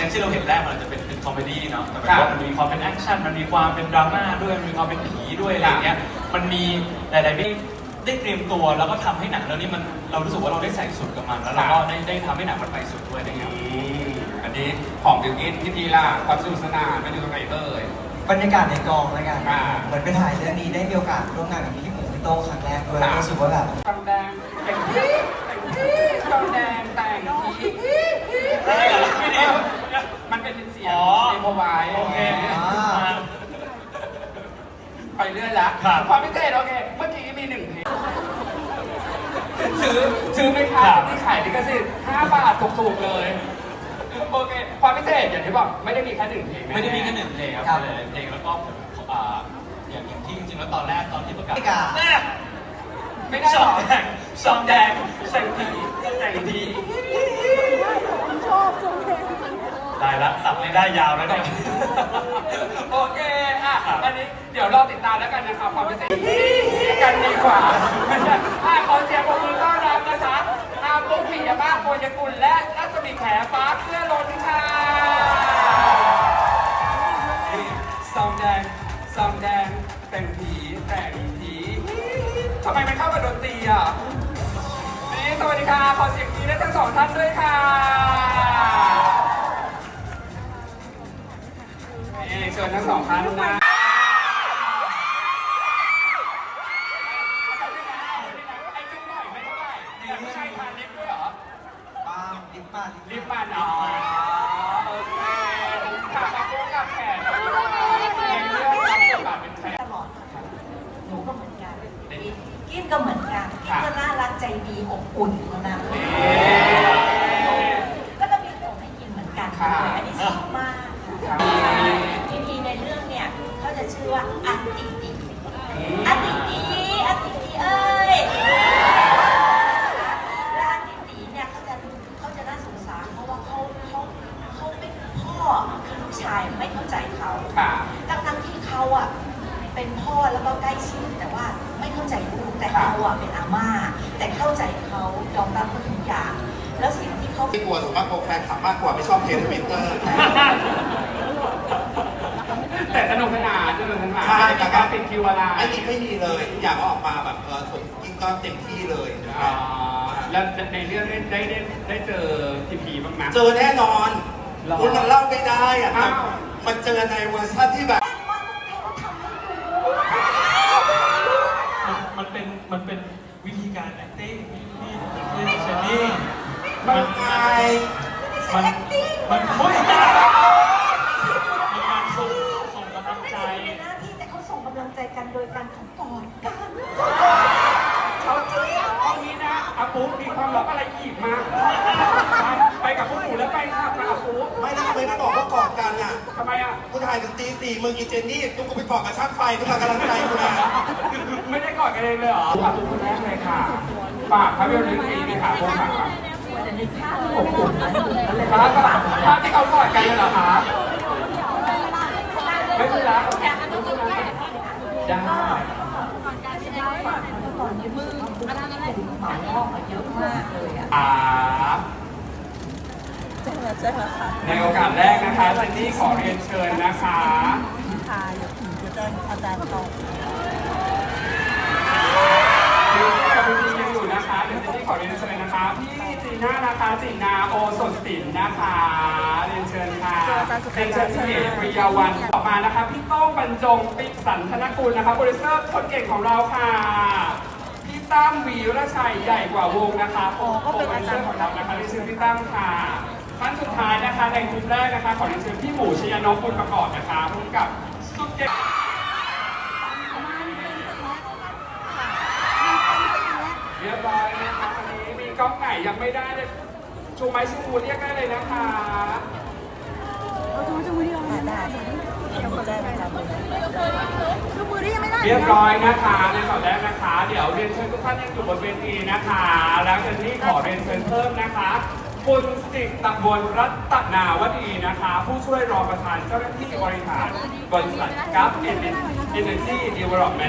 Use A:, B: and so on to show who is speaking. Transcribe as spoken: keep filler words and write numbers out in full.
A: ยที่เราเห็นแรกมันจะเป็นเป็นคอมเมดี้เนาะแต่แบบว่ามันมีความเป็นแอคชั่นมันมีความเป็นดราม่าด้วยมันมีความเป็นผีด้วยอะไรเงี้ยมันมีหลายๆที่ได้เตรียมตัวแล้วก็ทำให้หนังเรื่องนี้มันเรารู้สึกว่าเราได้ใส่สุดกับมันแล้วเราก็ได้ได้ทำให้หนังมันไปสุดด้วยนะครับ
B: อันนี้ของบิวกิ้นพี่พีล่ะความสนุกสนานเป็นยังไงเอ่ย
C: บรรยากาศในกองแล้วกันเหมือนไปถ่ายเรื่องนี้ได้มีโอกาสร่วมงานกับพี่หมูพี่โต้ครั้งแรกด้วยรู้สึกว่าแบบ
B: ทำแดงแต่งผีแต่งผีทำแดงแต่งผีไม่ดีมันเป็นเสียงเอโมไวโอเคไปเรื่อยละความพิเศษโอเคเมื่อกี้มีหนึ่งเพลงซื้อซื้อไม่ค้าที่ขายลิขสิทธิ์ห้าบาทถูกๆเลยโอเคความพิเศษอย่างที่บอกไม่ได้มีแค่หนึ่งเพลง
A: ไม่ได้มีแค่หนึ่งเพลงครับหลายเพลงแล้วก็อย่างอย่างที่จริงๆแล้วตอนแรกตอนที่ประกาศ
B: ไม่ได้หรอ
A: ซองแดง
B: แต่งผีแต่งผี
D: ชอบซองแดง
A: ได้ละสับไม่ได้ยาวแล้วเนี่ย
B: โอเคอ่ะอันนี้เดี๋ยวรอติดตามแล้วกันนะครับความพิเศษกันดีกว่าไม่ใช่อ่ะขอเสียงปรบมือต้อนรับนะคะอาปุ๊กปิยมาศโพยกุลและรัศมีแขฟ้าเพื่อล้นค่ะซองแดงซองแดงแต่งผีแต่งผีทำไมมันเข้ากับดนตรีอ่ะนี่สวัสดีค่ะขอเสียงดีได้ทั้งสองท่านด้วยค่ะนี่เชิญทั้งสองท่านนะไอ้จุ๊บหน่อยไม่เท่าไหร่แต่ไม่ใช่ทานลิฟต์ด้วยเหรอ
C: บ้าลิฟต์บ้าน
B: ลิฟต์บ้านอ๋อโอเคถามมาปุ๊บกับแขกในเรื่องรับบทบาทเป็นแขก
D: ตลอดหนูก็เหมือนกันกินก็เหมือนกันกินก็น่ารักใจดีอบอุ่นนะก็จะมีผมให้กินเหมือนกันอันนี้ชอบมากทีทีในเรื่องเนี่ยเขาจะชื่อว่าอันติติอันติติอันติติเอ้ยและอันติติเนี่ยเขาจะเขาจะน่าสงสารเพราะว่าเขาเขาเขาเป็นพ่อคือลูกชายไม่เข้าใจเขาทั้งๆที่เขาอ่ะเป็นพ่อแล้วก็ใกล้ชิดแต่ว่าไม่เข้าใจลูกแต่เราอ่ะเป็นอาม่าแต่เข้าใจเขายอมรับเขาทุกอย่างแล้วสิ่งที่เขา
E: ไม่กลัวสมมากกว่าแฟนคลับมากกว่าไม่ชอบเทสทวิตเตอร์
B: แต่สนุกสนานสนุกสนานใช่แต่การเป็นคิวอะไร
E: ไอ้นี่ไม่มีเลยอยากออกมาแบบเออผมกินก็เต็มที่เลย
B: แล้วในเรื่องได้ได้ได้เจอทีพีบ้างไหม
E: เจอแน่นอนคุณมันเล่าไม่ได้อ่ะมันเจอในเวอร์ชันที่แบบ
A: มันเป็นมันเป็นวิธีการ acting ที่ที่เชนนี่
E: มันไง
A: มันมันโอ้ยมันการส่งส่งกำลังใจ
D: ในหน้าที่แต่เขาส่งกำลังใจกันโดยการของกอดกันเขาจริง
B: เอางี้นะอาปุ๊มีความลับอะไรอีกมาไปกับพวกหนูแล้วไปค่ะกับอาปุ๊
E: ไม่ได้ไม่ได้บอกว่ากอดกันอ่ะ
B: ทำไมอ่ะ
E: กูถ่ายถึงตีสี่มึงอีเจนนี่ตุ๊กกูไปกอดกับช่างไฟตุ๊กกำลังใจกูนะ
B: ไม่ได้กอดกันเองเลยเหรออาปุ๊คนแรกเลยค่ะฝากภาพยนตร์เรื่องนี้ค่ะพวกฝากค่ะภาพที่เขากอดกันเลยเหรอคะไม่เป็นไรได้
D: ตอนนี้มืออะไรอะไรหมาลอกมาเยอะมากเลยอ่ะ
B: อ่าในโอกาสแรกนะคะเจนนี่ขอเรียนเชิญนะคะ
D: ค่ะเดี๋ยวผมจะแจ้งอาจารย์ต่อ
B: พี่กับพี่ยังอยู่นะคะเดี๋ยวเจนนี่ขอเรียนเชิญนะคะพี่จีน่านะคะจีนาโอสดสินนะคะเรียนเชิญค่ะเรียนเชิญพี่เอกปริยาวันต่อมานะคะพี่โต้งบรรจงปิสันธนกุลนะคะโปรดิวเซอร์คนเก่งของเราค่ะพี่ตั้มวีรชัยใหญ่กว่าวงนะคะโอ้ก็เป็นอาจารย์ของเรานะคะเรียนเชิญพี่ตั้มค่ะท่านสุดท้ายนะคะในกลุ่มแรกนะคะขอเรียนเชิญพี่หมูชยนนท์คุณประกอบนะคะพร้อมกับสุดเก่งเรียบร้อยนะคะวันนี้มีกล้องไหนยังไม่ได้เลยชูไม้ชูมือเรียกได้เลยนะคะ
D: ชูชูมือที่เราได้ชูมือได้ไหมครับชูมือที่ยังไม่ได้
B: เรียบร้อยนะคะในสอบแรกนะคะเดี๋ยวเรียนเชิญทุกท่านยังอยู่บนเวทีนะคะแล้วเจนนี่ขอเรียนเชิญเพิ่มนะคะคุณสิทธิ์ตะบลรัตนาวดีนะคะผู้ช่วยรองประธานเจ้าหน้าที่บริหารบริษัทกัฟเอเนจีเดเวลลอปเมนต์